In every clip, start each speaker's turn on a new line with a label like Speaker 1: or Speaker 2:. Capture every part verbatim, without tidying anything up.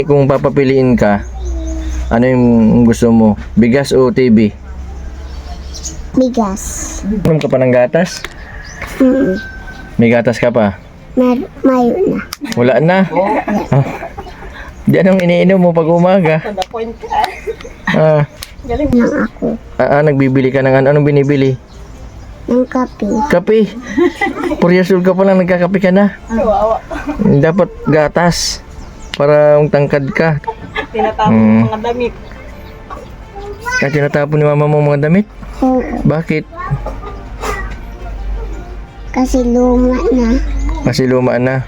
Speaker 1: Kung papapiliin ka, ano yung gusto mo? Bigas o T V?
Speaker 2: Bigas.
Speaker 1: Inom ka pa ng gatas?
Speaker 2: Mm.
Speaker 1: May gatas ka pa?
Speaker 2: Mer mayo na.
Speaker 1: Wala na. Oh. Di anong iniinom mo pag umaga? Ah,
Speaker 2: Galing lang ako.
Speaker 1: ah, ah, nagbibili ka ng ano? Anong binibili?
Speaker 2: Ng kape.
Speaker 1: Kape. four years old ka pa lang, nagkakape ka na. Dapat gatas. Para tangkad ka.
Speaker 3: Tinatapon
Speaker 1: Hmm.
Speaker 3: mga damit.
Speaker 1: Kaya tinatapon ni mama mo mga damit?
Speaker 2: Oo.
Speaker 1: Bakit?
Speaker 2: Kasi luma na.
Speaker 1: Kasi luma na.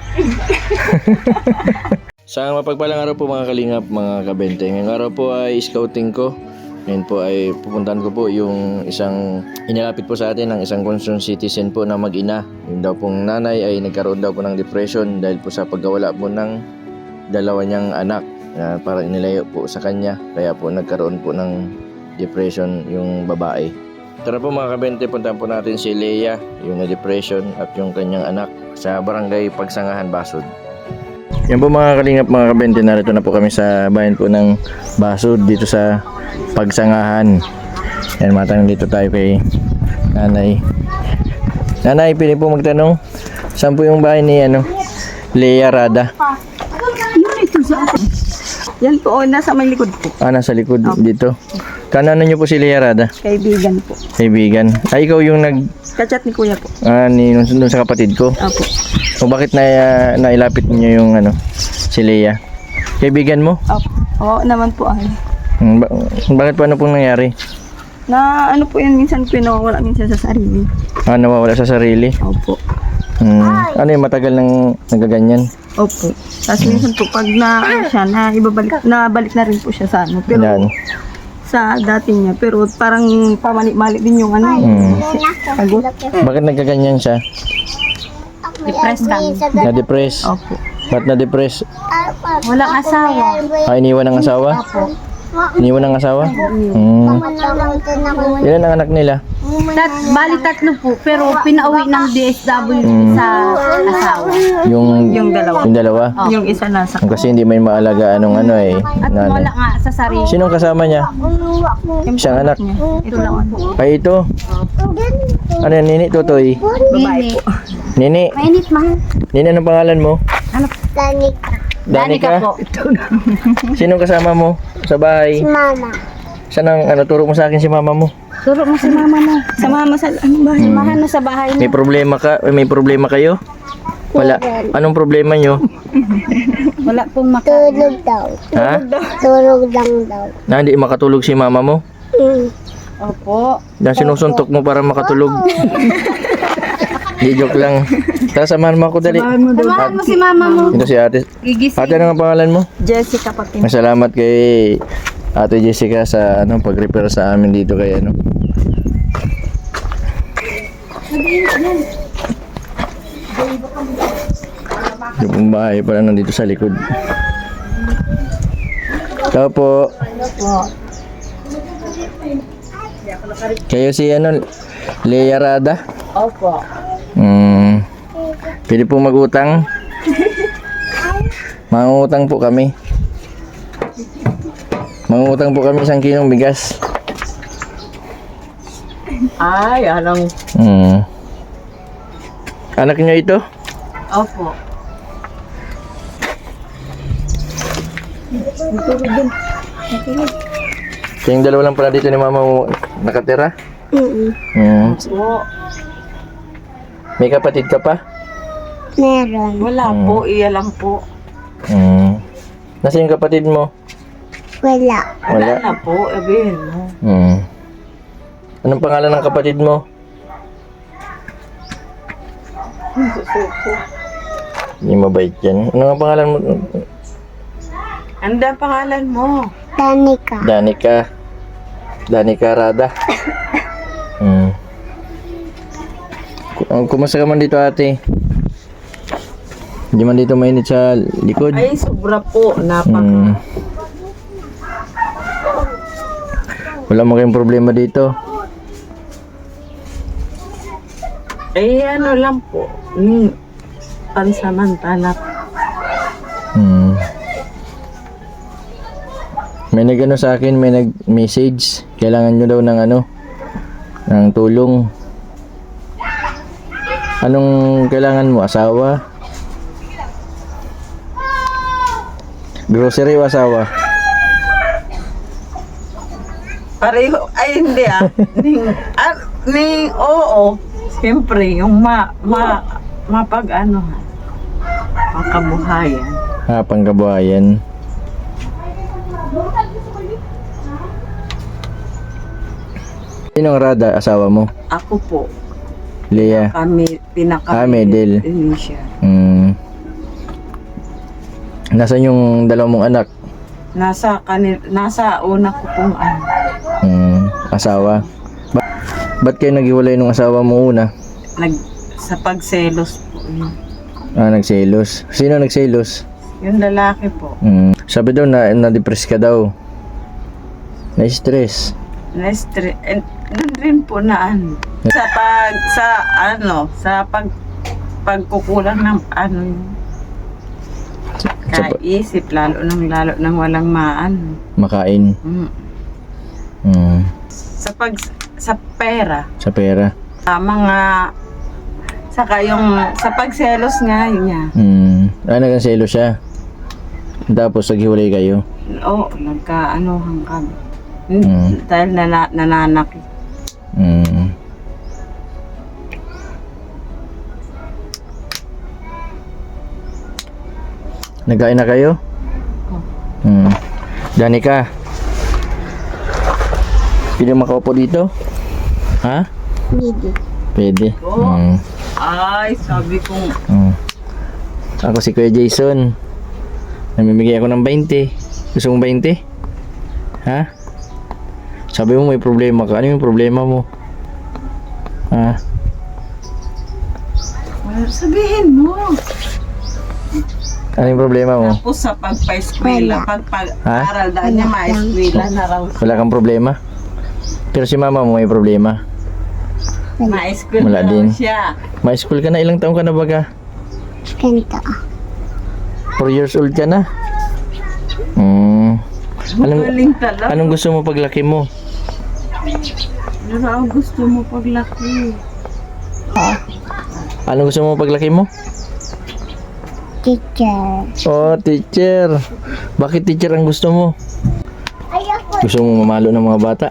Speaker 1: Sa mapagpalang araw po mga kalingap, mga kabente. Ngayong araw po ay scouting ko. Ngayon po ay pupuntahan ko po yung isang inilapit po sa atin ng isang concerned citizen po na mag-ina. Yung daw pong nanay ay nagkaroon daw po ng depression dahil po sa pagkawala po ng dalawa niyang anak. Uh, para inilayo po sa kanya. Kaya po nagkaroon po ng depression yung babae. Tara po mga kabente, puntahan po natin si Leia, yung na-depression at yung kanyang anak sa barangay Pagsangahan, Basud. Yan po mga kalingap, mga kabente, narito na po kami sa bayan po ng Basud dito sa Pagsangahan. Yan, matanong dito tayo kay nanay. Nanay, pili po magtanong, saan po yung bahay ni ano, Leia Rada?
Speaker 3: Yun ito sa yan po, oh, nasa may likod po.
Speaker 1: Ah, nasa likod dito. Kanano nyo po si Leia Rada?
Speaker 3: Kaibigan po.
Speaker 1: Kaibigan. Ay, ikaw yung nag...
Speaker 3: Kachat ni kuya po.
Speaker 1: Ah, ni, nung, nung sa kapatid ko.
Speaker 3: Opo.
Speaker 1: O bakit na, nailapit niyo yung ano, si Leia? Kaibigan mo?
Speaker 3: Opo. Oo naman po ay.
Speaker 1: Hmm, ba- bakit pa ano pong nangyari?
Speaker 3: Na ano po yan, minsan po nawawala minsan sa sarili.
Speaker 1: Ah, nawawala sa sarili?
Speaker 3: Opo.
Speaker 1: Hmm. Ano yung matagal nang nagaganyan?
Speaker 3: Opo. Tapos minsan po pag na ano siya, na ibabalik, nabalik na rin po siya sa ano. Pero
Speaker 1: Yan.
Speaker 3: sa dati niya, pero parang pamalik-malik din yung ano.
Speaker 1: Hmm.
Speaker 3: Pagod.
Speaker 1: Bakit nagaganyan siya?
Speaker 2: Depressed kami.
Speaker 1: Na-depress?
Speaker 3: Opo.
Speaker 1: Ba't na-depress?
Speaker 2: Walang asawa.
Speaker 1: Ah, iniwan ng asawa? Iniwan ng asawa? Hmm. Ilan ang anak nila?
Speaker 4: Tat, bali tatlo po, pero pinauwi ng D S W sa asawa.
Speaker 1: Yung,
Speaker 3: Yung dalawa.
Speaker 1: yung dalawa?
Speaker 3: Yung isa nasa.
Speaker 1: Kasi hindi may maalaga anong ano eh.
Speaker 4: At
Speaker 1: nanay.
Speaker 4: wala nga sa sarili.
Speaker 1: Sinong kasama niya? Isang anak.
Speaker 3: Ito lang po.
Speaker 1: Ay, ito. Ano yan, Nini? Tutoy?
Speaker 3: Babae po.
Speaker 1: Nini?
Speaker 4: Mainit man.
Speaker 1: Nini, anong pangalan mo?
Speaker 2: Danica.
Speaker 4: Danica po.
Speaker 1: Sinong kasama mo sa bahay?
Speaker 2: Mama.
Speaker 1: Saan ang ano, turo mo sa akin si mama mo?
Speaker 4: Turo mo si mama mo.
Speaker 3: Sa mama sa ano ba?
Speaker 4: Samahan mo sa bahay
Speaker 1: May
Speaker 4: mo.
Speaker 1: problema ka? May problema kayo? Wala. Anong problema nyo?
Speaker 4: Wala pong maka...
Speaker 2: Tulog daw.
Speaker 1: Ha?
Speaker 2: Tulog lang daw.
Speaker 1: Na hindi makatulog si mama mo?
Speaker 2: Mm.
Speaker 4: Opo.
Speaker 1: Na sinusuntok mo para makatulog? Di joke lang. Tara, samahan mo ako dali.
Speaker 4: Samahan mo si mama mo.
Speaker 1: Ito si ate.
Speaker 4: Gigising.
Speaker 1: Ate, ano ang pangalan mo?
Speaker 3: Jessica Patin.
Speaker 1: Masalamat kay Ate Jessica sa ano pag-repair sa amin dito kay ano. Yung bahay pala nandito sa likod. Tao po. Kayo si ano, Leia Rada?
Speaker 3: Opo.
Speaker 1: Hmm. Pwede po mag-utang? Mangutang po kami. Mangutang po kami isang kilong bigas.
Speaker 3: Ay, alang.
Speaker 1: Hmm. Anak niyo ito?
Speaker 3: Opo.
Speaker 1: Kayong dalawa lang pala dito ni mama mo nakatira?
Speaker 2: Mm.
Speaker 1: Hmm.
Speaker 3: Po.
Speaker 1: May kapatid ka pa?
Speaker 2: Meron.
Speaker 3: Wala po, iya lang po.
Speaker 1: Hmm. Nasaan yung kapatid mo?
Speaker 2: Wala.
Speaker 1: Wala.
Speaker 3: Wala na po, sabihin mo.
Speaker 1: Hmm. Anong pangalan ng kapatid mo?
Speaker 3: Susuko.
Speaker 1: Hindi mabait yan. Ano ang pangalan mo?
Speaker 3: Ano ang pangalan mo?
Speaker 2: Danica.
Speaker 1: Danica. Danica Rada. Hmm. Ku- Kumusta ka man dito ate? Hindi man dito mainit sa likod?
Speaker 3: Ay, sobra po. Napaka.
Speaker 1: Hmm. Wala mo kayong problema dito?
Speaker 3: Ay, ano lang po. Hmm. Pansamantala.
Speaker 1: Hmm. May nagano sa akin, may nag-message. Kailangan nyo daw ng ano, ng tulong. Anong kailangan mo? Asawa? Grocery o asawa?
Speaker 3: Pareho, ay hindi ah. Ning, ah, ning, oo. Siyempre, yung ma, ma, mapag ano, makabuhayan.
Speaker 1: Ah, pangkabuhayan. Sinong Rada, asawa mo?
Speaker 3: Ako po,
Speaker 1: Leah.
Speaker 3: kami, pinaka
Speaker 1: Ah, Medel.
Speaker 3: siya.
Speaker 1: Hmm. Nasaan yung dalawa mong anak?
Speaker 3: Nasa kanil, nasa una ko pong ano.
Speaker 1: Hmm. Asawa? Ba- ba't kayo naghiwalay nung asawa mo una?
Speaker 3: Nag, sa pagselos po. Yun.
Speaker 1: Ah, nagselos. Sino nagselos?
Speaker 3: Yung lalaki po.
Speaker 1: Hmm. Sabi daw na na-depress ka daw. Na-stress.
Speaker 3: Na-stre- and, nun rin po na ano. Sa pag, sa ano, sa pag, pagkukulang ng ano yun.
Speaker 1: Sa pa-
Speaker 3: Kaisip, lalo nang lalo nang walang maan.
Speaker 1: makain.
Speaker 3: Mm.
Speaker 1: Hmm.
Speaker 3: Sa pag, sa pera,
Speaker 1: Sa pera.
Speaker 3: sa mga, saka yung, sa pagselos nga yun niya.
Speaker 1: Hmm. Ah, nagkaselo siya. Tapos naghiwalay kayo.
Speaker 3: Oo, nagka-anohan kami.
Speaker 1: Mm.
Speaker 3: Mm. Dahil nana, nananakit.
Speaker 1: Hmm. Nagkain na kayo? Hmm. Danica. Pwede makaupo dito? Ha?
Speaker 2: Hindi.
Speaker 1: Pwede. Hmm.
Speaker 3: Ay, sabi kong,
Speaker 1: Hmm. Ako si Kuya Jason. Namimigay ako ng twenty. Gusto mong twenty? Ha? Sabi mo may problema ka. Ano yung problema mo? Ha?
Speaker 3: well, sabihin mo.
Speaker 1: Ano yung problema mo?
Speaker 3: Tapos sa pagpa-eskwela,
Speaker 2: Wala.
Speaker 3: pagpag-aral dahil niya
Speaker 2: Wala lang.
Speaker 3: ma-eskwela na raw.
Speaker 1: Wala kang problema? Pero si mama mo may problema.
Speaker 3: Ma-eskwela
Speaker 1: Wala
Speaker 3: na raw
Speaker 1: din.
Speaker 3: siya.
Speaker 1: May school ka na. Ilang taong ka na baga?
Speaker 2: Ganito.
Speaker 1: four years old ka na? Hmm. Anong,
Speaker 3: Magaling talaga.
Speaker 1: anong gusto mo paglaki mo?
Speaker 3: Ano raw gusto mo paglaki?
Speaker 1: Anong gusto mo paglaki mo?
Speaker 2: Teacher.
Speaker 1: Oh, teacher. Bakit teacher ang gusto mo?
Speaker 2: Ayaw
Speaker 1: Gusto mo mamalo ng mga bata?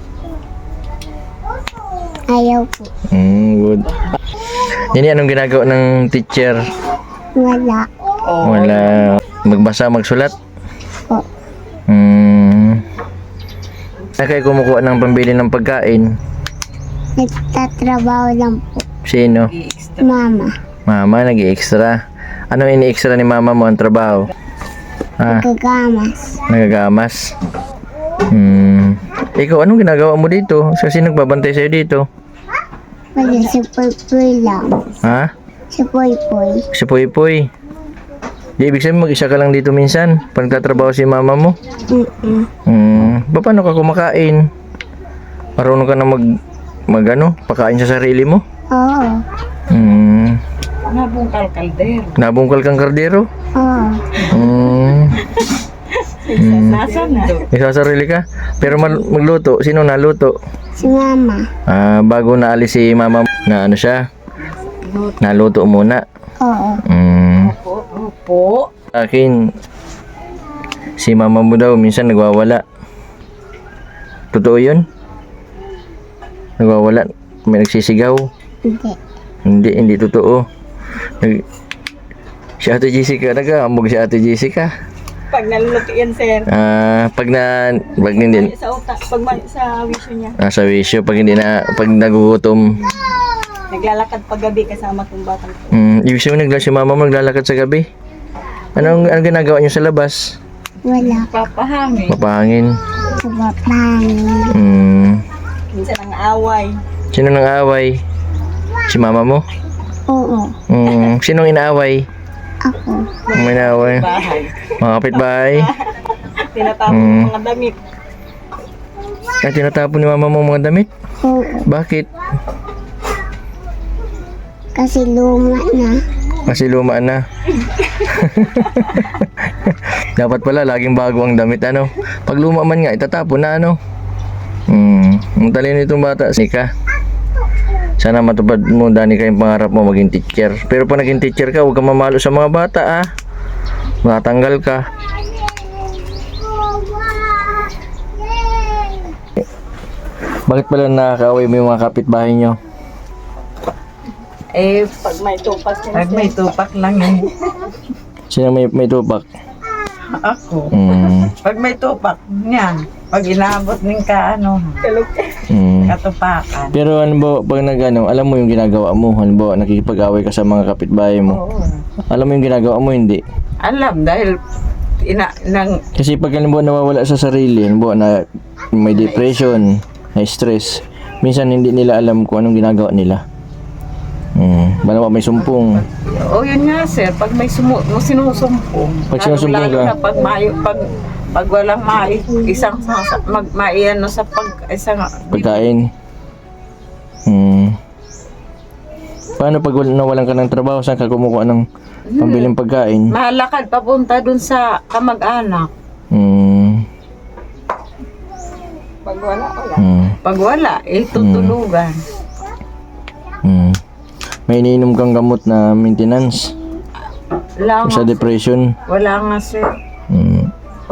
Speaker 2: Ayaw po.
Speaker 1: Hmm, good. Nini, anong ginagawa ng teacher?
Speaker 2: Wala.
Speaker 3: Oh,
Speaker 1: Wala. Magbasa, magsulat?
Speaker 2: Po.
Speaker 1: Hmm. Na kayo kumukuha ng pambili ng pagkain?
Speaker 2: Nagtatrabaho lang po.
Speaker 1: Sino?
Speaker 3: extra.
Speaker 2: Mama.
Speaker 1: Mama, nag-extra. Ano ini-extra ni mama mo ang trabaho? Ah,
Speaker 2: Gagamas.
Speaker 1: nagagamas. Hmm. Ikaw, anong ginagawa mo dito? Kasi nagbabantay sa'yo dito.
Speaker 2: Wala si Poy lang.
Speaker 1: Ha?
Speaker 2: Si Poy Poy.
Speaker 1: Si Puy Puy. Di ibig sabihin mag-isa ka lang dito minsan pag nagtatrabaho si mama mo.
Speaker 2: Mm-mm.
Speaker 1: Hmm. Ba, paano ka kumakain? Marunong ka na mag, mag ano, pakain sa sarili mo?
Speaker 2: Oo.
Speaker 1: Hmm.
Speaker 3: Nabungkal kaldero.
Speaker 1: Nabungkal kang kardero?
Speaker 2: Oo.
Speaker 1: Hmm.
Speaker 3: Nasaan na?
Speaker 1: Isasarili ka? Pero mal- magluto, sino naluto?
Speaker 2: Si Mama.
Speaker 1: Ah, bago naalis si mama mo, na ano siya? Naluto muna.
Speaker 2: Oo.
Speaker 1: Hmm.
Speaker 3: Opo, opo.
Speaker 1: Sa akin, si mama mo daw minsan nagwawala. Totoo yun? Nagwawala? May nagsisigaw?
Speaker 2: Hindi.
Speaker 1: Hindi, hindi totoo. Nag... Si Ate Jessica, nag-aambog si Ate Jessica.
Speaker 3: Pag naluluto yan, sir.
Speaker 1: Ah, pag na, pag hindi,
Speaker 3: Sa utak, pag ma- sa wisyo niya.
Speaker 1: nasa wisyo, pag hindi na, pag nagugutom.
Speaker 3: Naglalakad pag gabi kasama kong batang.
Speaker 1: Hmm, ibig sabihin nagla si mama mo naglalakad sa gabi. Anong, anong ginagawa niyo sa labas?
Speaker 2: Wala.
Speaker 3: Papahangin.
Speaker 1: Mapahangin.
Speaker 2: Sa bapangin.
Speaker 1: Hmm,
Speaker 3: Minsan ang away.
Speaker 1: sino nang away? Si mama mo?
Speaker 2: Oo.
Speaker 1: Hmm, sinong inaaway?
Speaker 2: Ako.
Speaker 1: Ang inaaway?
Speaker 3: Bahay.
Speaker 1: Mga kapitbahay?
Speaker 3: Tinatapon
Speaker 1: Mm.
Speaker 3: ng mga damit.
Speaker 1: Ay, tinatapon ni mama mo ang mga damit?
Speaker 2: Oo.
Speaker 1: Bakit?
Speaker 2: Kasi luma na.
Speaker 1: Kasi luma na. Dapat pala laging bago ang damit, ano? Pag luma man nga, itatapon na, ano? Hmm, ang talino itong bata. Nika, sana matupad mo, Danica, yung pangarap mo maging teacher. Pero pag naging teacher ka, huwag ka mamalo sa mga bata, ah. Matanggal ka. Bakit pala nakakaaway mo yung mga kapitbahay nyo?
Speaker 3: Eh, pag may tupak Pag may tupak lang yan.
Speaker 1: Sino may, may tupak?
Speaker 3: Ako.
Speaker 1: Hmm,
Speaker 3: Pag may tupak, yan. Pag inaabot ng ka, ano,
Speaker 1: hmm.
Speaker 3: katupakan.
Speaker 1: Pero ano ba, pag nag-ano, alam mo yung ginagawa mo, ano ba, nakikipag-away ka sa mga kapitbahay mo.
Speaker 3: Oo.
Speaker 1: Alam mo yung ginagawa mo, hindi.
Speaker 3: Alam, dahil ina, nang,
Speaker 1: Kasi pag ano ba nawawala sa sarili, ano ba, na may depression, may stress, minsan hindi nila alam kung anong ginagawa nila. Hmm, bala may sumpong.
Speaker 3: oh yun nga sir, pag may sumu, mo sinusumpong.
Speaker 1: Pag sinusumpong
Speaker 3: lalo
Speaker 1: ka?
Speaker 3: na pag mayo, pag, pag walang mai, isang, sa- mag, maiano sa pag, isang,
Speaker 1: Pagkain. Hmm. Paano pag wal- nawalan ka ng trabaho, saan ka kumukuha ng pambiling pagkain?
Speaker 3: mahalakad papunta dun sa kamag-anak.
Speaker 1: Hmm.
Speaker 3: Pag wala, wala.
Speaker 1: Hmm.
Speaker 3: Pag wala, eh, tutulugan.
Speaker 1: Hmm. May iniinom kang gamot na maintenance
Speaker 3: Wala nga,
Speaker 1: sa depression.
Speaker 3: wala nga sir.
Speaker 1: Hmm.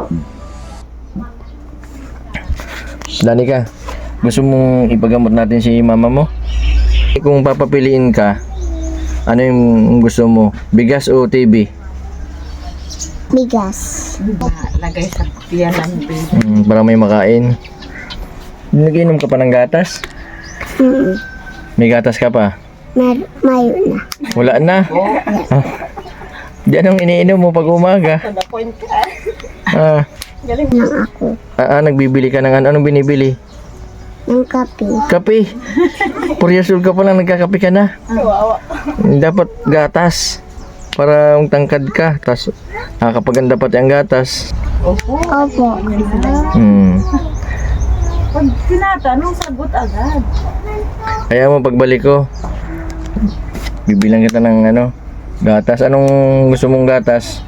Speaker 1: Danica, gusto mong ipagamot natin si mama mo? Kung papapiliin ka, ano yung gusto mo? Bigas o T V?
Speaker 2: Bigas.
Speaker 3: Lagay sa tiyan ng baby.
Speaker 1: Hmm, para may makain. Nagiinom ka pa ng gatas?
Speaker 2: Mm.
Speaker 1: May gatas ka pa?
Speaker 2: Mer mayo na.
Speaker 1: Wala na. Ah. Di anong iniinom mo pag umaga? Ah,
Speaker 2: Nang ako.
Speaker 1: ah, ah, nagbibili ka ng ano? Anong binibili?
Speaker 2: Ng kape.
Speaker 1: Kape. four years old ka pa lang, nagkakape ka na. Dapat gatas. Para ang tangkad ka. Tapos nakakapaganda pati ang gatas.
Speaker 3: Opo.
Speaker 2: Opo.
Speaker 1: Hmm.
Speaker 3: Pag tinatanong, sagot agad.
Speaker 1: Kaya mo pagbalik ko, bibilang kita ng ano, gatas. Anong gusto mong gatas?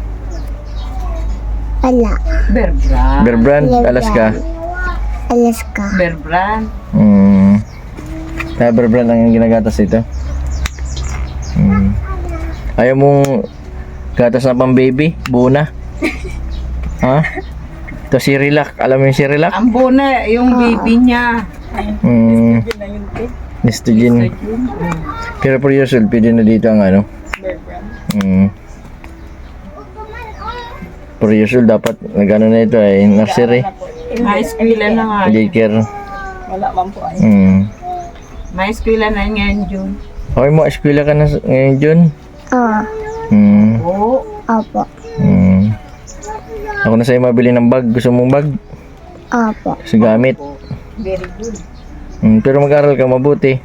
Speaker 2: Wala.
Speaker 3: Bear brand.
Speaker 1: Bear Brand, Alaska.
Speaker 2: Alaska.
Speaker 3: Bear brand.
Speaker 1: Hmm. Kaya Bear Brand ang ginagatas ito. Hmm. Ayaw mong gatas na pang baby? Buo na? Ha? Ito si Relax. Alam mo yung si Relax?
Speaker 3: Ang buna, yung baby niya.
Speaker 1: Hmm. Nestogen. Pero for years old, pwede na dito ang ano? Hmm. For years old, dapat nag-ano na ito ay nursery.
Speaker 3: May eskwela na nga.
Speaker 1: Daycare.
Speaker 3: Wala man po ay.
Speaker 1: Hmm.
Speaker 3: May eskwela na ngayon, June.
Speaker 1: Okay mo, eskwela ka na s- ngayon, Jun?
Speaker 2: Oo.
Speaker 1: Hmm.
Speaker 3: Oo.
Speaker 2: Opo.
Speaker 1: Hmm. Ako na sa'yo mabili ng bag. Gusto mong bag?
Speaker 2: Opo.
Speaker 1: Sa gamit.
Speaker 3: Very good.
Speaker 1: Hmm. Pero mag-aral ka mabuti.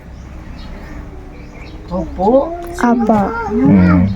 Speaker 3: Opo.
Speaker 2: Opo.
Speaker 1: Hmm.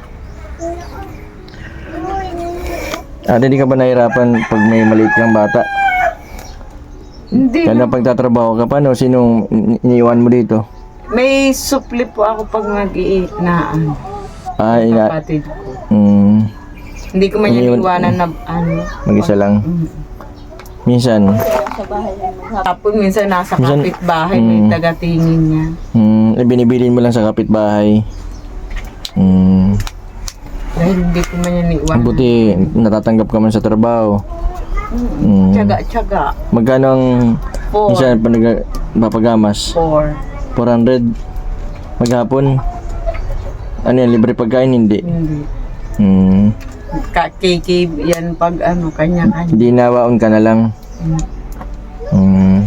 Speaker 1: Ate, di ka ba nahirapan pag may maliit kang bata?
Speaker 3: Hindi.
Speaker 1: Kaya na pagtatrabaho ka, paano? Sinong ini- iniwan mo dito?
Speaker 3: May supli po ako pag mag-iit na ano,
Speaker 1: Ah, ina...
Speaker 3: kapatid ko.
Speaker 1: Hmm.
Speaker 3: Hindi ko man
Speaker 1: Iniwan-
Speaker 3: yung iwanan na ano.
Speaker 1: Mag-isa lang.
Speaker 3: Mm.
Speaker 1: Minsan.
Speaker 3: Tapos minsan nasa
Speaker 1: Minsan-
Speaker 3: kapitbahay, may
Speaker 1: Mm.
Speaker 3: taga-tingin niya.
Speaker 1: Hmm. Eh, binibilin mo lang sa kapitbahay. Hmm.
Speaker 3: Dahil hindi ko man yung iwanan.
Speaker 1: Buti natatanggap ka man sa trabaho. Hmm.
Speaker 3: Tsaga-tsaga.
Speaker 1: Magkano ang
Speaker 3: Four.
Speaker 1: minsan pa nag papagamas?
Speaker 3: Four.
Speaker 1: four hundred maghapon. Ano yan, libre pagkain? Hindi.
Speaker 3: Hindi.
Speaker 1: Hmm.
Speaker 3: Ka-K K yan pag ano, kanya-kanya.
Speaker 1: Hindi nawaon ka na lang.
Speaker 3: Mm.
Speaker 1: Hmm.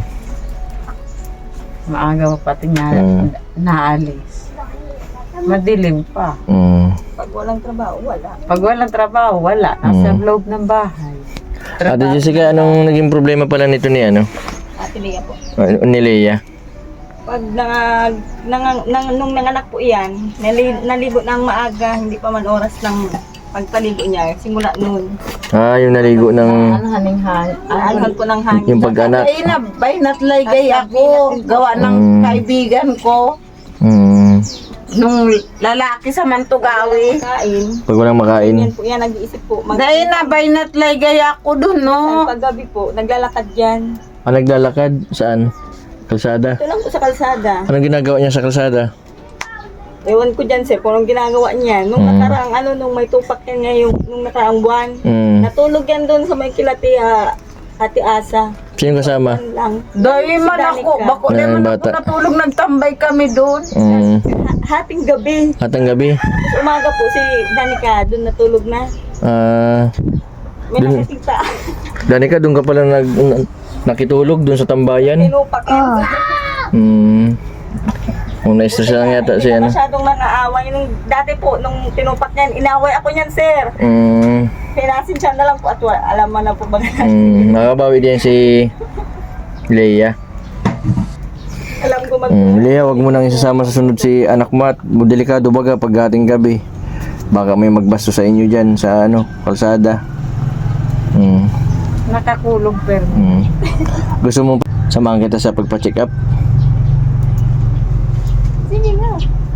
Speaker 3: Maaga pa pati niya
Speaker 1: Mm.
Speaker 3: naalis. Madilim pa.
Speaker 1: Hmm.
Speaker 3: Pag walang trabaho, wala. Pag walang trabaho, wala. Nasa
Speaker 1: Mm.
Speaker 3: loob ng bahay.
Speaker 1: Ate Jessica, anong naging problema pala nito ni ano?
Speaker 5: Ate Lea po.
Speaker 1: Uh, ni Leia?
Speaker 5: Pag nang, nang, nang, nung nanganak po yan, nali, naligo ng maaga, hindi pa man oras ng pagpaligo niya, simula noon.
Speaker 1: Ah, yung naligo ng
Speaker 3: Ano haning-han?
Speaker 5: Alhan po ng hangin.
Speaker 1: yung pag-anak.
Speaker 3: Ay na, bay natlay gay ako. Gawa ng
Speaker 1: Mm.
Speaker 3: kaibigan ko.
Speaker 1: Hmm.
Speaker 3: nung lalaki sa Mantugawi.
Speaker 5: Kain.
Speaker 1: Pag walang makain.
Speaker 5: Yan po, yan nag-iisip po. Mag-
Speaker 3: Dahil na baynat lay gaya ako dun, no?
Speaker 5: Paggabi po, naglalakad yan.
Speaker 1: Ah, naglalakad? Saan? Kalsada?
Speaker 5: Ito lang po sa kalsada.
Speaker 1: Anong ginagawa niya sa kalsada?
Speaker 5: Ewan ko dyan, sir, kung anong ginagawa niya. Nung
Speaker 1: Hmm.
Speaker 5: nakaraang, ano, nung may tupak yan niya, yung, nung nakaraang buwan.
Speaker 1: Mm.
Speaker 5: Natulog yan doon sa may kilati, ah, Ate Asa.
Speaker 1: Sino kasama?
Speaker 5: Yan lang.
Speaker 3: Dahil man
Speaker 5: Si
Speaker 3: ako,
Speaker 5: Danica.
Speaker 3: bako
Speaker 1: Na
Speaker 3: di man ako
Speaker 1: bata.
Speaker 3: natulog, nagtambay kami doon.
Speaker 1: Mm.
Speaker 5: Ha- hating gabi.
Speaker 1: Atang gabi?
Speaker 5: Tapos umaga po, si Danica, doon natulog na.
Speaker 1: Ah,
Speaker 5: May
Speaker 1: Dun-
Speaker 5: nakikita.
Speaker 1: Danica, doon ka pala nag, n- nakitulog doon sa tambayan?
Speaker 5: Tinupak yan.
Speaker 2: Oh.
Speaker 1: Hmm. Kung na-stress lang yata
Speaker 5: Hindi
Speaker 1: siya,
Speaker 5: na
Speaker 1: ano?
Speaker 5: masyadong nang-aaway. Nung dati po, nung tinupak niyan, inaway ako niyan, sir.
Speaker 1: Hmm.
Speaker 5: Pinasin siya na lang po at wa- alam mo na po ba.
Speaker 1: Hmm. Nakabawi din si Leia.
Speaker 5: Alam ko mag-
Speaker 1: Hmm. Leia, wag mo nang isasama sa sunod si anak mo at delikado baga pag ating gabi. Baka may magbasto sa inyo dyan sa ano, kalsada. Hmm.
Speaker 3: Nakakulog pero.
Speaker 1: Hmm. Gusto mo samahan kita sa pagpa-check up?
Speaker 5: Sige nga.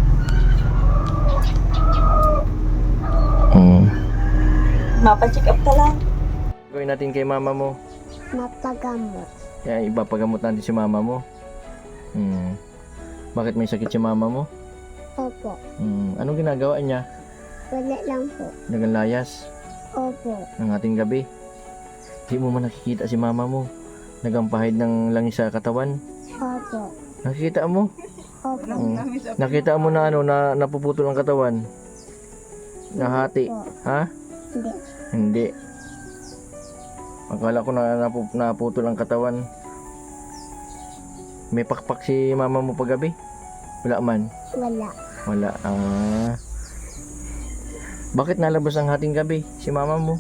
Speaker 1: Hmm.
Speaker 5: Mapacheck up ka lang.
Speaker 1: Gawin natin kay mama mo.
Speaker 2: Mapagamot.
Speaker 1: Kaya ipapagamot natin si mama mo. Hmm. Bakit may sakit si mama mo?
Speaker 2: Opo.
Speaker 1: Hmm. Anong ginagawa niya?
Speaker 2: Wala lang po.
Speaker 1: Nagalayas
Speaker 2: Opo.
Speaker 1: ng ating gabi. Di mo man nakikita si mama mo. Nagampahid ng langis sa katawan.
Speaker 2: Opo.
Speaker 1: Nakikita mo?
Speaker 2: Opo.
Speaker 1: Hmm. Nakita mo na ano na napuputol ang katawan. Nahati.
Speaker 2: Opo.
Speaker 1: Ha?
Speaker 2: Hindi.
Speaker 1: Hindi. Akala ko na napu- naputol ang katawan. May pakpak si mama mo paggabi? Wala man.
Speaker 2: Wala.
Speaker 1: Wala. Ah. Bakit nalabas ang hating gabi si mama mo?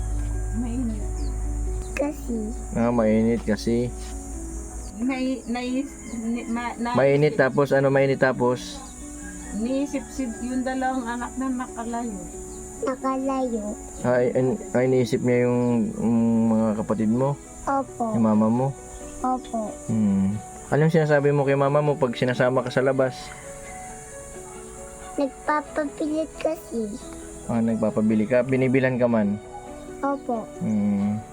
Speaker 2: Kasi
Speaker 1: Ah, mainit kasi.
Speaker 3: Nai, nai, ni, ma, na,
Speaker 1: Mainit tapos ano mainit tapos?
Speaker 3: Niisip-sip yung dalawang anak na nakalayo.
Speaker 2: nakalayo.
Speaker 1: Ay, ay, ay iniisip niya yung mm, mga kapatid mo,
Speaker 2: Opo.
Speaker 1: yung mama mo.
Speaker 2: Opo.
Speaker 1: Hmm. Anong sinasabi mo kay mama mo pag sinasama ka sa labas?
Speaker 2: Nagpapapilit kasi.
Speaker 1: Ah, nagpapabili ka, binibilan ka man.
Speaker 2: Opo.
Speaker 1: Hmm.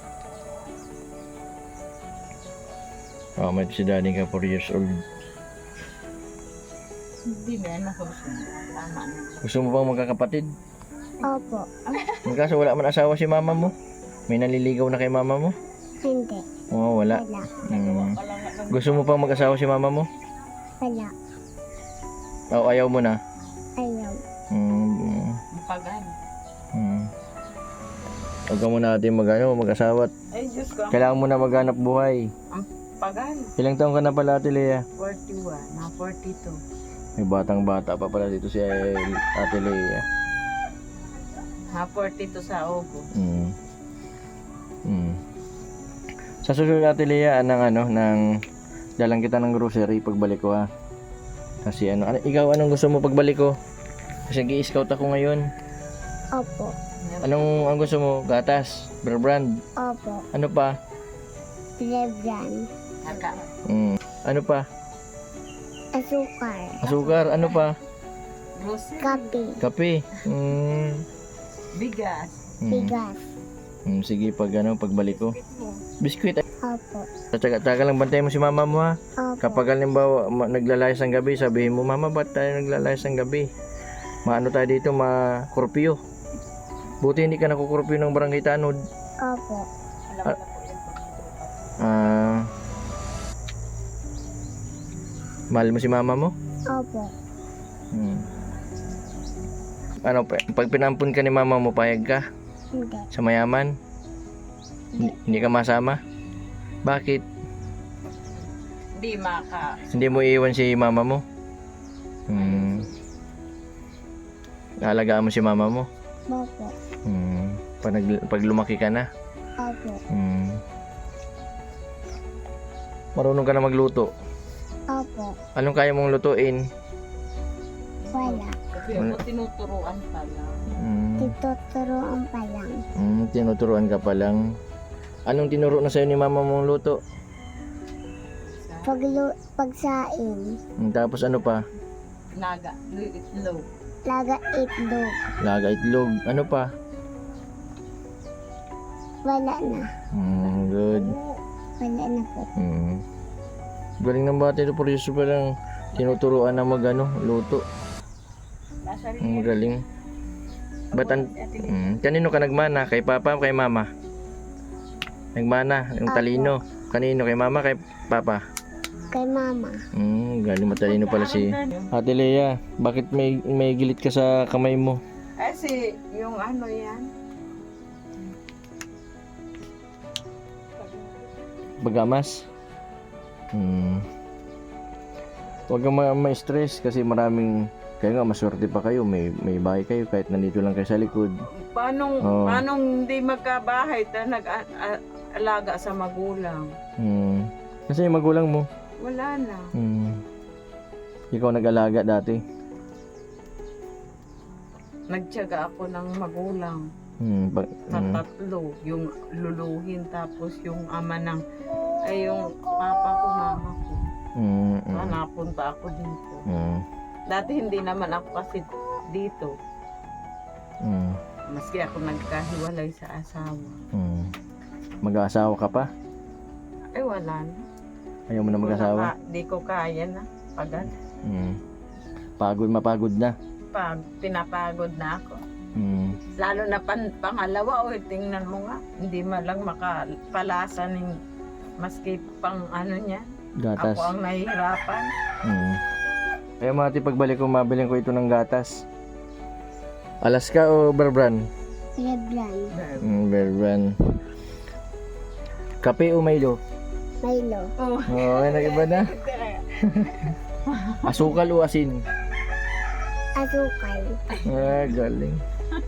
Speaker 1: Oh, may si daddy ka four years old.
Speaker 3: Hindi na, nakagusto. Tama na.
Speaker 1: Gusto mo bang magkakapatid?
Speaker 2: Opo.
Speaker 1: Kaso wala man asawa si mama mo. May naliligaw na kay mama mo?
Speaker 2: Hindi.
Speaker 1: Oo, wala.
Speaker 2: Wala.
Speaker 1: Hmm. Gusto mo pang mag-asawa si mama mo?
Speaker 2: Wala.
Speaker 1: O ayaw mo na?
Speaker 2: Ayaw.
Speaker 1: Hmm.
Speaker 3: Pagan.
Speaker 1: Hmm. Huwag ka muna natin mag, ano, mag-asawa.
Speaker 3: Ay, Diyos ko.
Speaker 1: Kailangan mo na maghanap buhay.
Speaker 3: Pagan.
Speaker 1: Ilang taon ka na pala, Ate Lea?
Speaker 3: forty-one, na forty-two.
Speaker 1: May batang bata pa pala dito si Ate Lea.
Speaker 3: Na forty-two sa Ogo.
Speaker 1: Hmm. Hmm. Sa susunod, Ate Lea, ng ano, ng dalang kita ng grocery pagbalik ko, ha? Kasi ano, ano ikaw anong gusto mo pagbalik ko? Kasi nag-i-scout ako ngayon.
Speaker 2: Opo.
Speaker 1: Anong ang gusto mo? Gatas, bear brand,
Speaker 2: Opo.
Speaker 1: ano pa?
Speaker 2: Lebran.
Speaker 3: Naka.
Speaker 1: Hmm. Ano pa?
Speaker 2: Asukar.
Speaker 1: Asukar, ano pa?
Speaker 3: Grocery.
Speaker 2: Kape.
Speaker 1: Kape. Hmm.
Speaker 3: Bigas.
Speaker 1: Hmm.
Speaker 2: Bigas.
Speaker 1: Hmm, sige pag ano, pagbalik ko. Biskuit.
Speaker 2: Opo.
Speaker 1: Tsaga-tsaga lang bantayan mo si mama mo, ha.
Speaker 2: Opo.
Speaker 1: Kapag halimbawa ma- naglalayas ang gabi, sabihin mo, mama, ba't tayo naglalayas ang gabi? Maano tayo dito, ma-kurpyo. Buti hindi ka nakukurpyo ng barangay Tanod.
Speaker 2: Opo.
Speaker 1: Ah. Mahal mo si mama mo?
Speaker 2: Opo.
Speaker 1: Hmm. Ano, pa- pag pinampun ka ni mama mo, payag ka?
Speaker 2: Hindi.
Speaker 1: Sa mayaman? Hindi, hindi ka masama? Bakit?
Speaker 3: Hindi maka.
Speaker 1: Hindi mo iiwan si mama mo? Hmm. Alagaan mo si mama mo?
Speaker 2: Opo.
Speaker 1: Hmm. Pag, nag- pag lumaki ka na?
Speaker 2: Opo.
Speaker 1: Hmm. Marunong ka na magluto?
Speaker 2: Opo.
Speaker 1: Anong kaya mong lutuin?
Speaker 2: Wala.
Speaker 3: Kasi ako tinuturuan pa lang.
Speaker 1: Hmm.
Speaker 2: Tituturoan pa lang.
Speaker 1: Hmm, tinuturuan ka pa lang. Anong tinuro na sa'yo ni mama mong luto?
Speaker 2: Paglu pagsain.
Speaker 1: Hmm, tapos ano pa?
Speaker 3: Laga, itlog.
Speaker 2: Laga itlog.
Speaker 1: Laga itlog. Ano pa?
Speaker 2: Wala na.
Speaker 1: Mm, good.
Speaker 2: Wala na po.
Speaker 1: Mm. Galing ng bata ito, pero Yesus palang tinuturuan na mag ano, luto.
Speaker 5: Nasa rin.
Speaker 1: Ang galing. Ba't an- mm, kanino ka nagmana? Kay papa o kay mama? Nagmana, yung talino. Kanino? Kay mama, kay papa?
Speaker 2: Kay mama.
Speaker 1: Mm, galing matalino pala si Ate Lea. Bakit may may gilit ka sa kamay mo?
Speaker 3: Kasi yung ano yan.
Speaker 1: Bagamas? Hmm. Huwag kang ma- ma-stress kasi maraming, kaya nga maswerte pa kayo, may may bahay kayo kahit nandito lang kayo sa likod.
Speaker 3: Paano,
Speaker 1: Oo.
Speaker 3: paano hindi magkabahay na nag-alaga sa magulang?
Speaker 1: Hmm. Kasi yung magulang mo,
Speaker 3: Wala na.
Speaker 1: hmm. Ikaw nag-alaga dati.
Speaker 3: Nagtiyaga ako ng magulang.
Speaker 1: Hmm. Pag,
Speaker 3: Sa
Speaker 1: hmm.
Speaker 3: tatlo. Yung luluhin tapos yung ama ng, ay yung papa ko, mama ko.
Speaker 1: Hmm.
Speaker 3: Kaya
Speaker 1: Hmm.
Speaker 3: napunta ako dito.
Speaker 1: Hmm.
Speaker 3: Dati hindi naman ako kasi dito.
Speaker 1: Hmm.
Speaker 3: Maski ako nagkahiwalay sa asawa.
Speaker 1: Hmm. Mag-aasawa ka pa?
Speaker 3: Ay wala na.
Speaker 1: Ayaw mo na mag-asawa?
Speaker 3: Di ko kaya na. Pagod.
Speaker 1: Hmm. Pagod, mapagod na.
Speaker 3: Pag pinapagod na ako.
Speaker 1: Hmm.
Speaker 3: Lalo na pan, pangalawa, o tingnan mo nga, hindi man lang makapalasa ng maski pang ano niya.
Speaker 1: Gatas.
Speaker 3: Ako ang nahihirapan.
Speaker 1: Hmm. Kaya mati pagbalik ko, mabiling ko ito ng gatas. Alaska o Berbran?
Speaker 2: Leblan.
Speaker 1: Mm, Berbran. Kape o Milo?
Speaker 2: Milo.
Speaker 3: Oh.
Speaker 1: Oo, oh, nag-iba na. Asukal o asin?
Speaker 2: Asukal.
Speaker 1: Ah, galing.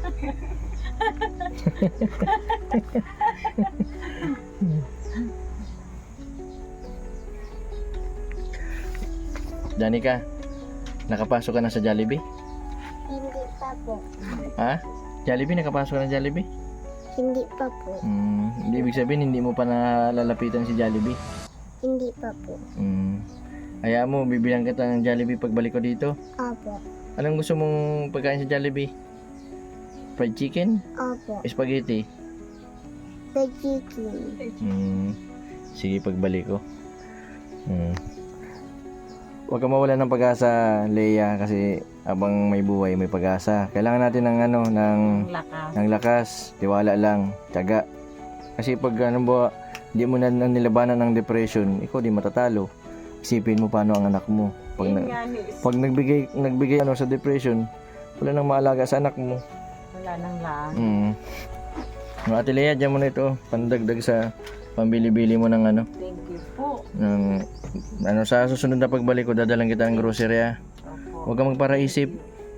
Speaker 1: Danica, nakapasok ka na sa Jollibee?
Speaker 2: Hindi pa po.
Speaker 1: Ha? Jollibee, nakapasok ka na Jollibee?
Speaker 2: Hindi pa po.
Speaker 1: Hmm, hindi ibig sabihin hindi mo pa nalalapitan si Jollibee.
Speaker 2: Hindi pa po.
Speaker 1: Hmm. Hayaan mo, bibilang kita ng Jollibee pagbalik ko dito.
Speaker 2: Opo.
Speaker 1: Anong gusto mong pagkain sa Jollibee? Fried chicken?
Speaker 2: Opo.
Speaker 1: Spaghetti?
Speaker 2: The chicken.
Speaker 1: Hmm. Sige, pagbalik ko. Hmm. Huwag ka mawala ng pag-asa, Leia, kasi abang may buhay, may pag-asa. Kailangan natin ng ano, ng,
Speaker 3: Lakas.
Speaker 1: ng lakas, tiwala lang, tiyaga. Kasi pag ano ba, hindi mo na na nilabanan ng depression, ikaw di matatalo. Isipin mo paano ang anak mo. Pag,
Speaker 3: Yun
Speaker 1: na,
Speaker 3: nga ni,
Speaker 1: pag nagbigay, nagbigay ano sa depression, wala nang maalaga sa anak mo.
Speaker 3: wala nang laan.
Speaker 1: Hmm. Mga Ate Lea, dyan mo na ito, pandagdag sa pambili-bili mo ng ano,
Speaker 3: Thank you po.
Speaker 1: ng, ano sa susunod na pagbalik ko, dadalang kita ng grocery ah.
Speaker 3: Opo.
Speaker 1: Huwag kang magparaisip.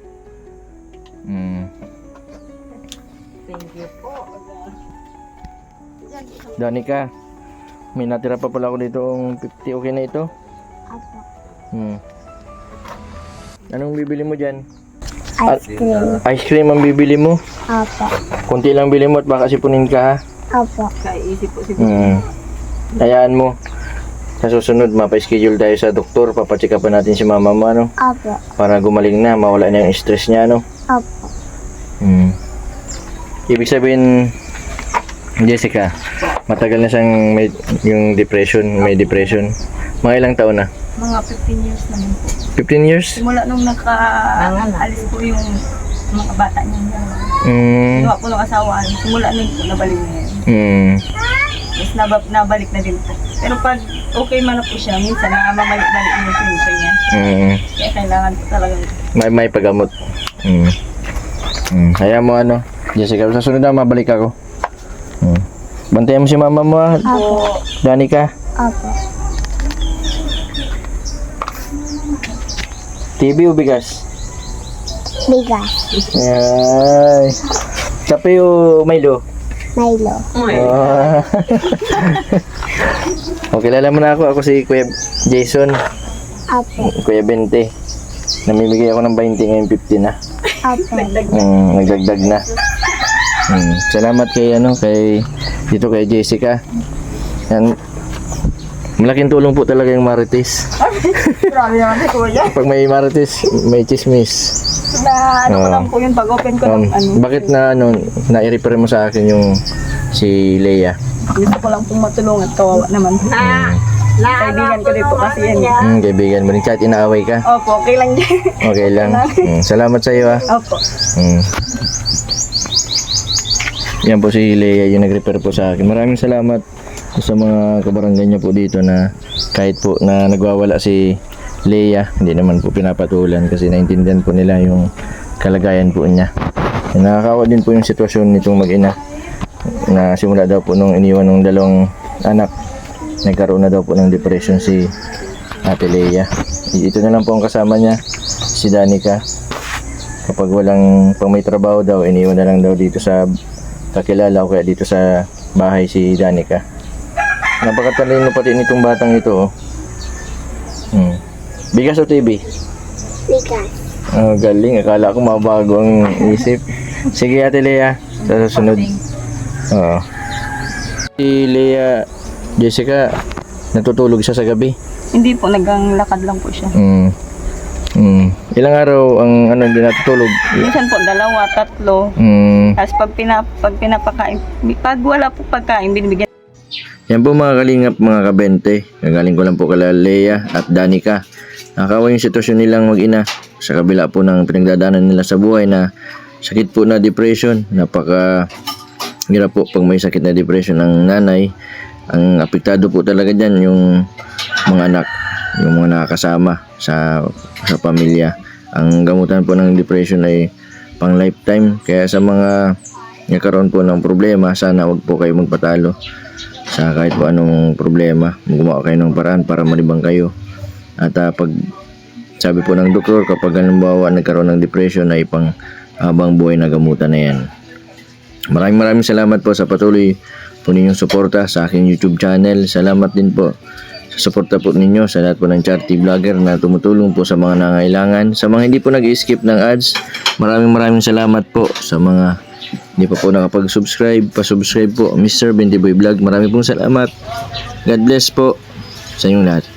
Speaker 1: Hmm.
Speaker 3: Thank you po.
Speaker 1: Danica, may natira pa pala ako dito ang fifty, okay na ito?
Speaker 2: Opo.
Speaker 1: Hmm. Anong bibili mo dyan?
Speaker 2: Ice cream.
Speaker 1: Ice cream ang bibili mo?
Speaker 2: Opo.
Speaker 1: Kunti lang bili mo at baka sipunin ka ha?
Speaker 2: Opo.
Speaker 3: Kaisip po si
Speaker 1: Hmm. Hayaan mo. Sa susunod, mapa-schedule tayo sa doktor. Papacheck up natin si mama mo, ano?
Speaker 2: Opo.
Speaker 1: Para gumaling na, mawala na yung stress niya, ano?
Speaker 2: Opo.
Speaker 1: Hmm. Ibig sabihin, Jessica, matagal na siyang may, yung depression, may depression. Mga ilang taon na?
Speaker 5: Mga fifteen years na din po.
Speaker 1: fifteen years?
Speaker 5: Simula nung naka-alis po yung mga bata niya.
Speaker 1: Hmm.
Speaker 5: Ginawa po ng asawa. Simula nung po nabalik na yan.
Speaker 1: Hmm.
Speaker 5: Tapos nab- nabalik na din po. Pero pag okay man na po siya, minsan namamalik-balik yung pinto niya.
Speaker 1: Hmm.
Speaker 5: Kaya kailangan po talaga.
Speaker 1: May, may paggamot. Hmm. Hmm. Hayaan mo, ano? Jessica, sa sunod na, mabalik ako. Hmm. Bantayan mo si mama mo, ha?
Speaker 2: Opo.
Speaker 1: Danica.
Speaker 2: Opo.
Speaker 1: T V o bigas?
Speaker 2: Bigas.
Speaker 1: Ay. Kape o Milo?
Speaker 2: Milo.
Speaker 1: Ah. O, kilala mo na ako. Ako si Kuya Jason.
Speaker 2: Opo.
Speaker 1: Kuya Bente. Namimigay ako ng twenty ngayon fifty na.
Speaker 2: Opo.
Speaker 1: Mm, nagdagdag na. Mm, salamat kay ano, kay dito kay Jessica. Yan. Malaking tulong po talaga yung Marites.
Speaker 5: Grabe naman si Kuya.
Speaker 1: Pag may Marites, may chismis.
Speaker 5: Na ano ko
Speaker 1: Oo.
Speaker 5: lang po yun, pag open ko
Speaker 1: Um,
Speaker 5: ng ano.
Speaker 1: bakit na ano, na-refer mo sa akin yung si Leia?
Speaker 5: Gusto ko lang pong matulungan. Kawawa naman.
Speaker 1: Mm.
Speaker 5: Kaibigan ko rin po kasi yan. eh.
Speaker 1: Mm, kaibigan mo rin, kahit inaaway ka.
Speaker 5: Opo, okay lang dyan.
Speaker 1: Okay lang. Mm, salamat sa iyo ah.
Speaker 5: Opo.
Speaker 1: Mm. Yan po si Leia yung nag-refer po sa akin. Maraming salamat sa mga kabarangay niya po dito na kahit po na nagwawala si Leia, hindi naman po pinapatulan kasi naintindihan po nila yung kalagayan po niya. Nakakawa din po yung sitwasyon nitong mag-ina na simula daw po nung iniwan ng dalawang anak, nagkaroon na daw po ng depression si Ate Leia. Ito na lang po ang kasama niya, si Danica. Kapag walang pang may trabaho daw, iniwan na lang daw dito sa kakilala o kaya dito sa bahay si Danica. Napakatalino pati nitong batang ito oh. Hmm. Bigas o T V?
Speaker 2: Bigas.
Speaker 1: Oh, galing. Akala ko mabago ang isip. Sige Ate Leia, sa susunod. Oo. Si Leia, Jessica, natutulog siya sa gabi.
Speaker 5: Hindi po, naglakad lang po siya.
Speaker 1: Hmm. Hmm. Ilang araw ang ano hindi natutulog?
Speaker 5: Minsan po, dalawa, tatlo.
Speaker 1: Hmm.
Speaker 5: Tapos pag, pinap, pag pinapakain, pag wala po pagkain, binibigyan.
Speaker 1: Yan po mga kalingap, mga kabente. Nagaling ko lang po kala Leia at Danica. Nakakawa yung sitwasyon nilang mag-ina sa kabila po ng pinagdadaanan nila sa buhay na sakit po na depression. Napaka hirap po pag may sakit na depression ng nanay. Ang apektado po talaga dyan yung mga anak, yung mga nakakasama sa, sa pamilya. Ang gamutan po ng depression ay pang lifetime. Kaya sa mga nagkaroon po ng problema, sana wag po kayo magpatalo sa kahit po anong problema. Gumawa kayo ng paraan para malibang kayo. At uh, pag sabi po ng doktor, kapag halimbawa nagkaroon ng depression ay pang habang buhay na gamutan na yan. Maraming maraming salamat po sa patuloy po ninyong suporta sa aking YouTube channel. Salamat din po sa suporta po ninyo sa lahat po ng charity vlogger na tumutulong po sa mga nangailangan. Sa mga hindi po nag-skip ng ads, maraming maraming salamat po. Sa mga hindi pa po nakapag-subscribe, pa-subscribe po. Mister Bendiboy Vlog, maraming pong salamat. God bless po sa inyong lahat.